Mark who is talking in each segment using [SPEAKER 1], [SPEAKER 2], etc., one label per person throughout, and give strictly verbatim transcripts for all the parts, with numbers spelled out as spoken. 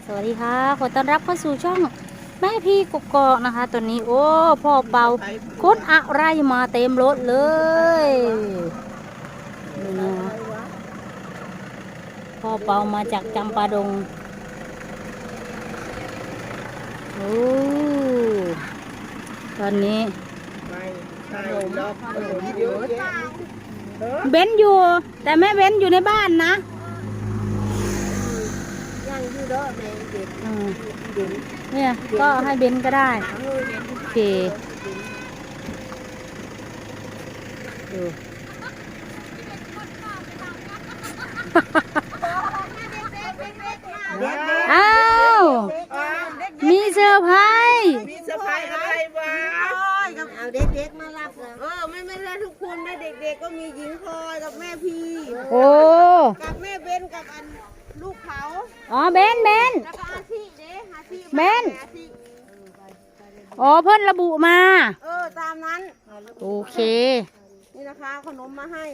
[SPEAKER 1] สวัสดีค่ะขอต้อนรับเข้าสู่ช่องแม่พี่กกอกนะคะตอนนี้โอ้พ่อเบาขนอะไรมาเต็มรถเลยนี่นะพ่อเบามาจากจำปาดงโอ้ตอนนี้เบนอยู่แต่แม่เบนอยู่ในบ้านนะ
[SPEAKER 2] ยังอยู่เด้อแม่เด็ก
[SPEAKER 1] เนี่ยก็ให้เบนก็ได้โอเคดูอ้าวมีเซอร์ไพรส์
[SPEAKER 2] มีเซอร์ไพรส์อะไรวะเอาเด็กๆมารับเออไม่ไม่ได้ทุกคนนะเด็กๆก็มีหญิงพลอยกับแม่พี
[SPEAKER 1] โอ้
[SPEAKER 2] กับแม่เบนกับอันลูกเขา
[SPEAKER 1] อ๋อเบนเบน
[SPEAKER 2] แล้วก็อาชีเด้อาชี
[SPEAKER 1] เบนอ๋อเพิ่นระบุมา
[SPEAKER 2] เออตามนั้น
[SPEAKER 1] โอเค
[SPEAKER 2] นี่นะคะขนมมาให้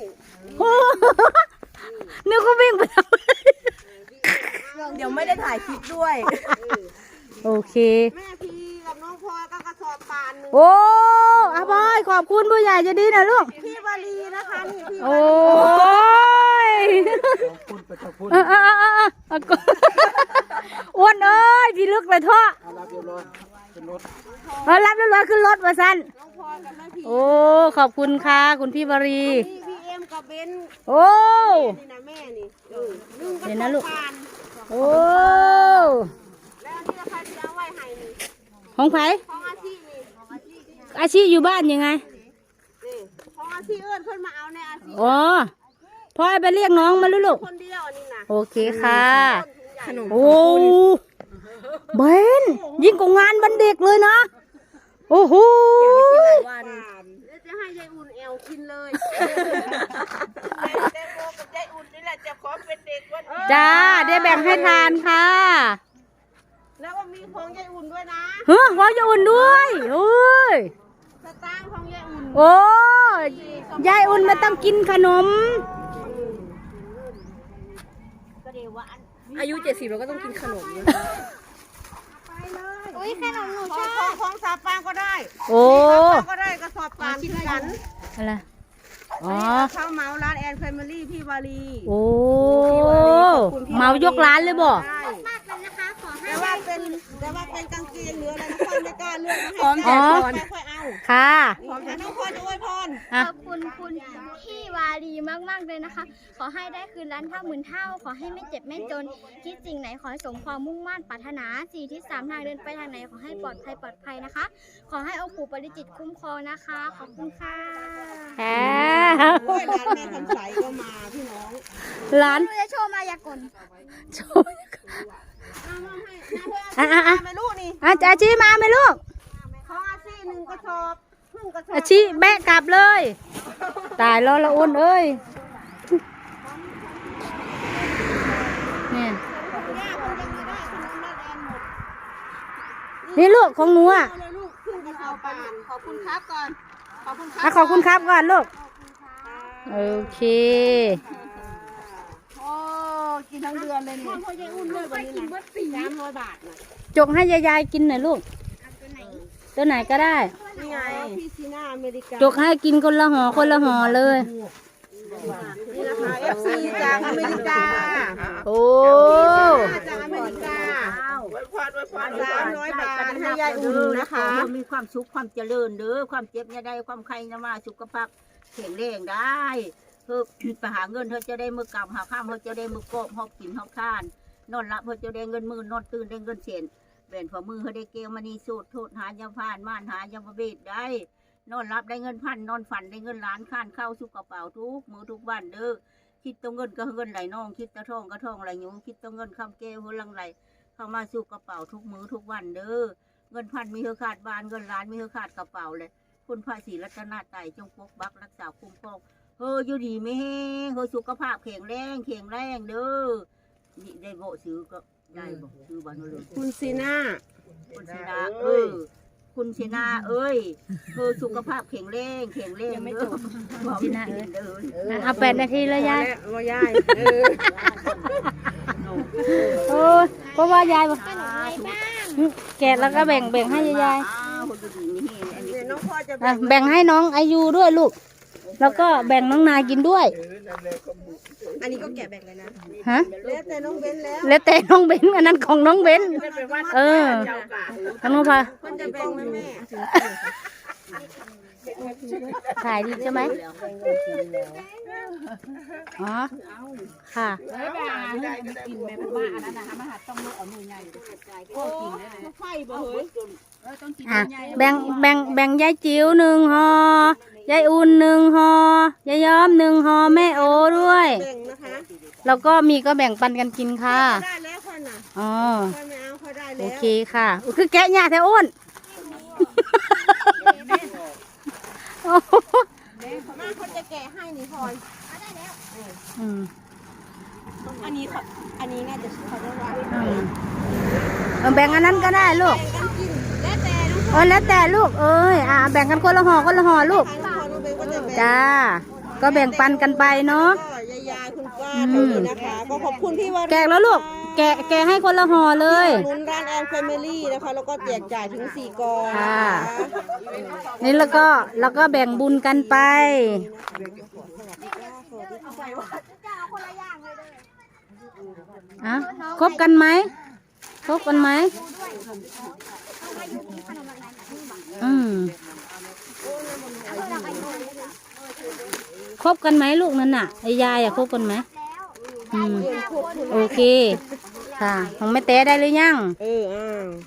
[SPEAKER 1] นึกว่าวิ่งไปทำ
[SPEAKER 2] เดี๋ยวไม่ได้ถ่ายคลิปด้วย
[SPEAKER 1] โอเค
[SPEAKER 2] แม่พีกับน้องพลอยก็กระสอบปานนึง
[SPEAKER 1] โอ้อาบอยขอบคุณผู้ใหญ่จะดีนะลูก
[SPEAKER 2] พี่วารีนะคะนี่พี่
[SPEAKER 1] โอ้ยเออเออเออเอออ้วนเอ้ยพี่ลึกไปท่อรับเรียบร้อยขึ้นรถเออรับเรียบร้อยขึ้นรถมาสั้นโอ้ขอบคุณค่ะคุณพี่วารี
[SPEAKER 2] พี่เอ็มกับเบน
[SPEAKER 1] โอ้
[SPEAKER 2] นี่นะแม่นี่
[SPEAKER 1] เห็นนะลูกโอ้
[SPEAKER 2] แล้วที่เราใครจะเอาไว้ให้นี่
[SPEAKER 1] ของไผ่
[SPEAKER 2] ของอาชีนี่
[SPEAKER 1] อาชีอยู่บ้านยังไง
[SPEAKER 2] นี่ของอาชีเอิญเพิ่นมาเอาในอาชี
[SPEAKER 1] อ๋อพ่อไปเรียกน้องมาลูก
[SPEAKER 2] คนเดียวอันนี้นะ
[SPEAKER 1] โอเคค่ะโอ้เบนยิ่งกว่างานวันเด็กเลยนะโอ้โห
[SPEAKER 2] จะให้ยายอุ่นแอลกินเลยแตงโมกับยายอุ่นนี่แหละจะขอเป็นเด็กวัน
[SPEAKER 1] จ้าได้แบ่งให้ทานค่ะ
[SPEAKER 2] แล้วก็มีของยายอุ่นด้วยนะ
[SPEAKER 1] เฮ้ยของยายอุ่นด้วยโอ้ย
[SPEAKER 2] สตางค์ของยายอุ่น
[SPEAKER 1] โอ้ยายอุ่นมาต้องกินขนม
[SPEAKER 2] อายุเจ็ดสิบเราก็ต้องกินขนมไปเลยอุ้ยขนมหนูชอบของสาปางก็ได้
[SPEAKER 1] โอ้
[SPEAKER 2] ก็ได้กระสอบปานที่กัน
[SPEAKER 1] อะไรอ๋อ
[SPEAKER 2] ข้าวเมาร้านแอนแฟมิลี่พี่วารี
[SPEAKER 1] โอ้เมายกร้านเลยบ่
[SPEAKER 2] แต่ว่าเป็นแต่ว่าเป็นกางเกงเหลืออะไรน้องพรไม่กล้าเลือกให้พร้อมแต่ค่อยเอา
[SPEAKER 1] ค่ะ
[SPEAKER 2] น้องพรจะอวยพร
[SPEAKER 3] ขอบคุณคุณพี่วารีมากๆเลยนะคะขอให้ได้คืนล้านเท่าหมื่นเท่าขอให้ไม่เจ็บไม่จนคิดสิ่งไหนขอให้สมความมุ่งมั่นปรารถนาสี่ทิศสามทางเดินไปทางไหนขอให้ปลอดภัยปลอดภัยนะคะขอให้องค์ปู่ปริจิตคุ้มครองนะคะขอบคุณค่ะ
[SPEAKER 2] โอ้ยร้านแม่คำใสก็มาพี่น้อง
[SPEAKER 1] ร้าน
[SPEAKER 3] จะโชว์มายากล
[SPEAKER 1] โชว์อ่ะอ่ะอ่ะ
[SPEAKER 2] ไม่รู้นี่
[SPEAKER 1] อาจารย์ชี้มาไหมลูก
[SPEAKER 2] ของอาชีหนึ่งกระสอบครึ่งกระสอบ
[SPEAKER 1] อาชีแบะกลับเลยตายแล้วละอ้นเอ้ยเนี่ยนี่ลูกของหนูอ่ะ
[SPEAKER 2] ขอบคุณครับก่อน
[SPEAKER 1] ขอบคุณครับขอบคุณครับก่อนลูกโอเค
[SPEAKER 2] กินทั้งเดือนเลยนี่พ่อยายอุ่นเลยวันนี้นะสามร้อยบาทนะ
[SPEAKER 1] จกให้ยายๆกินหน่อยลูกตัวไหนก็ได้
[SPEAKER 2] นี่ไงพี่ซีน่าอเมริกา
[SPEAKER 1] จกให้กินคนละห่อคนละห่อเลย
[SPEAKER 2] นี่นะคะเอฟซีจากอเมริกา
[SPEAKER 1] โอ้
[SPEAKER 2] จากอเมริกาสามร้อยบาทให้ยายอุ่นนะคะ
[SPEAKER 4] มีความสุขความเจริญเด้อความเจ็บอย่าได้ความใครนะมาสุขภาพแข็งแรงได้เพื่อไปหาเงินเธอจะได้มือกำหาข้ามเธอจะได้มือกบหอบกินหอบทานนอนหลับเธอจะได้เงินมือนอนตื่นได้เงินเสียนแบ่นฝ่ามือเธอได้เกลมานีสูตรโทษหายาผ่านม่านหายาประเวทได้นอนหลับได้เงินพันนอนฝันได้เงินล้านข้านเข้าสุกกระเป๋าทุกมือทุกวันเด้อคิดตัวเงินก็เงินไหลน้องคิดตะทองก็ทองไหลยุงคิดตัวเงินคำเกลหัวลังไหลเข้ามาสุกกระเป๋าทุกมือทุกวันเด้อเงินพันมีเธอขาดบานเงินล้านมีเธอขาดกระเป๋าเลยคุณพระศรีรัตนตรัยจงปกปักรักษาคุ้มครองเฮ้ยอยู่ดีไม่แห้งเฮ้ยสุขภาพแข็งแรงแข็งแรงเด้อนี่ได้โบซื้อก็ได้บอกซื้อบ้านเราเลย
[SPEAKER 2] คุณซีน่า
[SPEAKER 4] คุณซีน่าเอ้ยคุณซีน่าเอ้ยเธอสุขภาพแข็งแรงแข็งแรงเด้อ
[SPEAKER 1] ซีน่าเอ้ยเอาแปดนาทีเลยยาย
[SPEAKER 2] รอยาย
[SPEAKER 1] โอ้ยเพราะว่ายายบอกแกะแล้วก็แบ่งแบ่งให้ยาย
[SPEAKER 4] อ้าวคนดีๆนี่อันนี้
[SPEAKER 2] เดี๋ยวน้องพ่อจะ
[SPEAKER 1] ๆอ่ะแบ่งให้น้องอายุด้วยลูก แล้วก็แบ่งน้องนายกินด้วย
[SPEAKER 2] อันนี้ก็แกะแบ่งเลยนะ
[SPEAKER 1] ฮะ
[SPEAKER 2] แล้วแต่น้องเบนแล้ว
[SPEAKER 1] แล้วแต่น้องเบนอันนั้นของน้องเบนเออน้องพา
[SPEAKER 2] มันจะแบ่งไหมแม่
[SPEAKER 1] ถ่ายดีใช่ไหมอ๋อค่ะ
[SPEAKER 2] ไฟบ่เฮ้ย
[SPEAKER 1] อ่ะแบ่งแบ่งแบ่งยายจิ๋วหนึ่งห่อยายอุ่นหนึ่งห่อยายย้อมหนึ่งห่อแม่โอด้วย
[SPEAKER 2] แบ่งนะคะ
[SPEAKER 1] แล้วก็มีก็แบ่งปันกันกินค่ะ
[SPEAKER 2] ได้แล้วค่ะน่ะ
[SPEAKER 1] อ๋อ
[SPEAKER 2] ค่อยไม่เอาค่อยได้
[SPEAKER 1] โอ
[SPEAKER 2] แล้ว
[SPEAKER 1] เคค่ะอุ๊ยคือแกะหญ้าแท้อ้วนโอ้โห
[SPEAKER 2] มาคนจะแกะให้นี่พลอย
[SPEAKER 1] อืม
[SPEAKER 2] อันนี้เขาอันนี้น่าจะเขาจะวาง
[SPEAKER 1] อืมเอาแบ่งอันนั้นก็ได้ลูก
[SPEAKER 2] แบ่งกันกินแล้วแต่น้อง
[SPEAKER 1] เออแล้วแต่ลูกเอ้ยอ่ะแบ่งกันคนละห่อคนละห่อลูก
[SPEAKER 2] ทางน้องพลน้องเบนก็จะแบ่ง
[SPEAKER 1] จ้า ก็แบ่งปันกันไปเนาะ
[SPEAKER 2] ก็ยายายคุณป้าตรงนี้นะคะ ก็ขอบคุณพี่วารี
[SPEAKER 1] แกะแล้วลูก แกะแกะให้คนละห่อเลย
[SPEAKER 2] หนุนร้านแอนแฟมิลี่นะคะ แล้วก็แจกจ่ายถึงสี่กอง
[SPEAKER 1] ค่ะ นี่แล้วก็แล้วก็แบ่งบุญกันไปอ่ะครบกันไหมครบกันไหมอืมครบกันไหมลูกนั่นน่ะไอ้ยายอะครบกันไหมอืมโอเคค่ะของแม่เต้ได้หรือยัง
[SPEAKER 2] เอออ้าว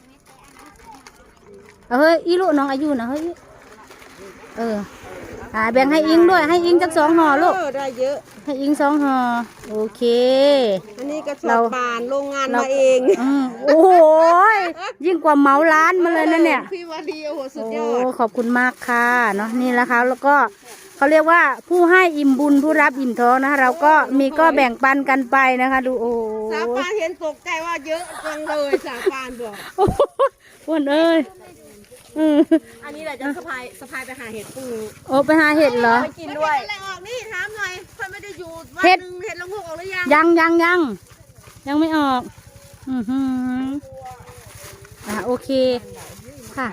[SPEAKER 1] เอาเฮ้ยอีลูกน้องอายุนะเฮ้ยเอออ่าแบ่งให้อิงด้วยให้อิงจักสองห่อลูก
[SPEAKER 2] เออได้เยอะ
[SPEAKER 1] ให้อิงสองห่อโอเค
[SPEAKER 2] อันนี้กระสอ
[SPEAKER 1] เรา
[SPEAKER 2] บปานโรงงาน
[SPEAKER 1] เรา
[SPEAKER 2] มาเอง
[SPEAKER 1] อืมโอ้โหยิ่งกว่าเหมาร้านมาเลยนะเนี่ย
[SPEAKER 2] พี่วารีโอ้โหสุดย
[SPEAKER 1] โอ้
[SPEAKER 2] อด
[SPEAKER 1] ขอบคุณมากค่ะเนาะนี่แหละค่ะแล้วก็เขาเรียกว่าผู้ให้อิ่มบุญผู้รับอิ่มท้องนะคะเราก็มีก็แบ่งปันกันไปนะคะ ดูโอ้
[SPEAKER 2] สาปานเห็นตกใจว่าเยอะจังเลยสาปานบอก
[SPEAKER 1] โอ้โหอ้วนเอ้ยอืม
[SPEAKER 2] อันนี้แหละจะสะพายสะพายไปหาเห็ดปู
[SPEAKER 1] โอ้ไปหาเห็ดเหรอ
[SPEAKER 2] ไปกินด้วยอะไรออกนี่ถามหน่อยเพื่อนไม่ได้อยู่วัน
[SPEAKER 1] เห็ด
[SPEAKER 2] หนึงเห็ดละงกออกหรือยัง
[SPEAKER 1] ยังยังยังยังไม่ออก อือหืออ่ะโอเคค่ะ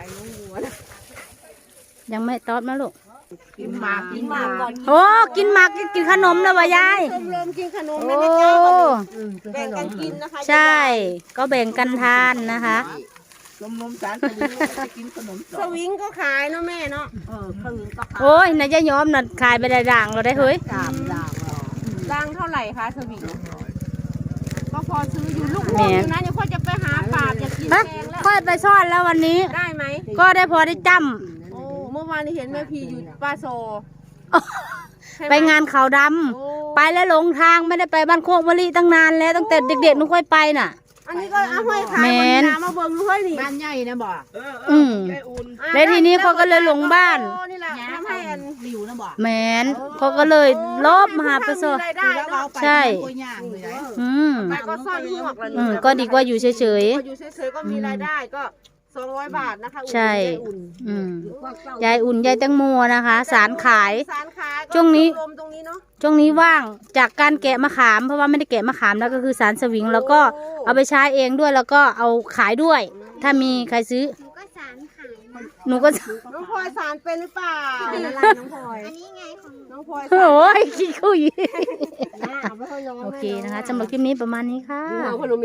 [SPEAKER 1] ยังไม่ตอบนะลูก
[SPEAKER 4] กินหมากกินหมากก่อน
[SPEAKER 1] โอ้กินหมากกินกินขนมแล้ววะยาย
[SPEAKER 2] ชมรมกินขนม
[SPEAKER 1] โอ้
[SPEAKER 2] ไม่ได้ใจกันแบ่งกันกินนะคะ
[SPEAKER 1] ใช่ ก็แบ่งกันทานนะคะ
[SPEAKER 4] นมนมสารสลิงจะกินขนม
[SPEAKER 2] สวิงก็ขายเนาะแม่เนาะ
[SPEAKER 4] เออข้าวเหนียวก็ขาย
[SPEAKER 1] โอ้ยนายจะยอมน่ะขายไปได้ด่างเราได้เฮ้ย
[SPEAKER 4] สามด่างหรอ
[SPEAKER 2] รังเท่าไหร่คะสวิงก็พอซื้ออยู่ลูกพวงอยู่นะเดี๋ยวค่อยจะไปหาปาบอยากกิน
[SPEAKER 1] ฮะ
[SPEAKER 2] แกงแล้ว
[SPEAKER 1] ค่อยไปซ่อนแล้ววันนี้
[SPEAKER 2] ได้ไหม
[SPEAKER 1] ก็ได้พอได้จ
[SPEAKER 2] โอ้เมื่อวานนี้เห็นแม่พีอยู่ป้าโซ
[SPEAKER 1] ำไปงานเขาดำไปแล้วหลงทางไม่ได้ไปบ้านโคกมะลิตั้งนานแล้วตั้งแต่เด็กๆหนุค่อยไปน่ะ
[SPEAKER 2] อันนี้ก็เอาห้อยขาย
[SPEAKER 1] แม่
[SPEAKER 2] วัน
[SPEAKER 1] น
[SPEAKER 2] นี้นะมาเบิ่งด้วยนี่
[SPEAKER 4] บ้านใหญ่นะบ่
[SPEAKER 1] อืมแล้วทีนี้เขาก็เลยหลงบ้าน
[SPEAKER 2] โอ้นี่แหละทำให้อัน
[SPEAKER 4] ริวนะบ่
[SPEAKER 1] แมนเขาก็เลยลบมาหาประสบ
[SPEAKER 2] มีรายได้เนาะ
[SPEAKER 1] ใช่
[SPEAKER 4] ตัวย่างเลยนะ
[SPEAKER 1] อืม
[SPEAKER 2] ไปก็ซ่อนหมวกแล้ว
[SPEAKER 1] อื
[SPEAKER 2] นี่
[SPEAKER 1] มก็ดีกว่าอยู่เฉย
[SPEAKER 2] ก็อยู่เฉยๆก็มีรายได้ก็สองร้อยบาทนะคะอุ่น
[SPEAKER 1] ใช่
[SPEAKER 2] ได้อุ่น
[SPEAKER 1] ๆอืมยายอุ่นยายแตงโมนะคะ สารขาย
[SPEAKER 2] สารขายก็
[SPEAKER 1] ช่วงนี้
[SPEAKER 2] รวมตรงนี้เนาะ
[SPEAKER 1] ช่วงนี้ว่างจากการแกะมะขามเพราะว่าไม่ได้แกะมะขามแล้วก็คือสารสวิง แล้วก็เอาไปใช้เองด้วยแล้วก็เอาขายด้วย ถ้ามีใครซื้อ
[SPEAKER 3] หนูก็สารขายนะ
[SPEAKER 1] หนูก็
[SPEAKER 2] น้องพลอยสารเป็นหรือเปล่าอะไรน้องพลอย
[SPEAKER 3] อันนี้ไงของ
[SPEAKER 2] น้องพลอย
[SPEAKER 1] โอ้ยขี้คุย
[SPEAKER 2] สารเอาไปให้น้อง
[SPEAKER 1] โอเคนะคะสำหรับคลิปนี้ประมาณนี้ค่ะ
[SPEAKER 2] เอาขนม